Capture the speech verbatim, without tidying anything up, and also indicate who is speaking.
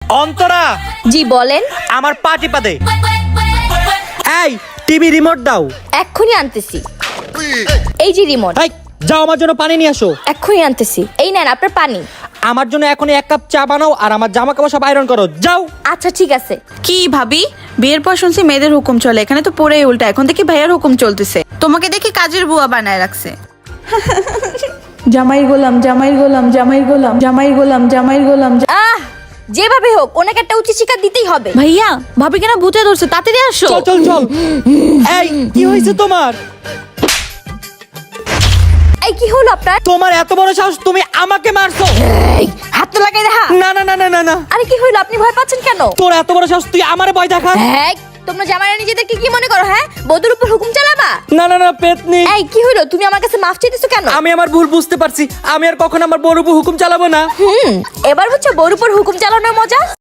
Speaker 1: অন্তরা,
Speaker 2: জি বলেন।
Speaker 1: আমার পা টিপা দে। এই টিভি রিমোট দাও।
Speaker 2: এক্ষুনি আনতেছি। এই যে রিমোট।
Speaker 1: এই যাও আমার জন্য পানি নিয়ে আসো।
Speaker 2: এক্ষুনি আনতেছি। এই নেন আপনার পানি।
Speaker 1: আমার জন্য এখনই এক কাপ চা বানাও আর আমার জামা কাপড় সব আয়রন করো, যাও।
Speaker 2: আচ্ছা ঠিক আছে।
Speaker 3: কি ভাবি, বিয়ের পর শুনছি মেয়েদের হুকুম চলে, এখানে তো পুরাই উল্টা। এখন দেখি ভাইয়ার হুকুম চলতেছে, তোমাকে দেখি কাজের বুয়া বানায় রাখছে।
Speaker 4: জামাই গোলাম জামাই গোলাম জামাই গোলাম জামাই গোলাম জামাই গোলাম।
Speaker 2: আহ যেভাবে হোক ওনাকে একটা উচিত শিক্ষা দিতেই হবে।
Speaker 3: ভাইয়া ভাবি কেন ভূতে ধরছে, তাড়াতাড়ি আসো।
Speaker 1: চল চল চল। এই কি হয়েছে তোমার?
Speaker 2: এই কি হলো আপনার?
Speaker 1: তোমার এত বড় সাহস, তুমি আমাকে মারছো?
Speaker 2: এই হাত তো লাগাই দেখা।
Speaker 1: না না না না না না।
Speaker 2: আরে কি হলো, আপনি ভয় পাচ্ছেন কেন?
Speaker 1: তোর এত বড় সাহস, তুই আমারে ভয় দেখাস?
Speaker 2: এই তোমরা জামাইরা নিজেদেরকে কি মনে করো? হ্যাঁ, বধূর উপর হুকুম চালাবা?
Speaker 1: না না না পেতনি।
Speaker 2: এই কি হলো, তুমি আমার কাছে মাফ চাইতেছো কেন?
Speaker 1: আমি আমার ভুল বুঝতে পারছি, আমি আর কখনো আমার বড় বউ হুকুম চালাবো না।
Speaker 2: হুম, এবার হচ্ছে বউর উপর হুকুম চালানোর মজা।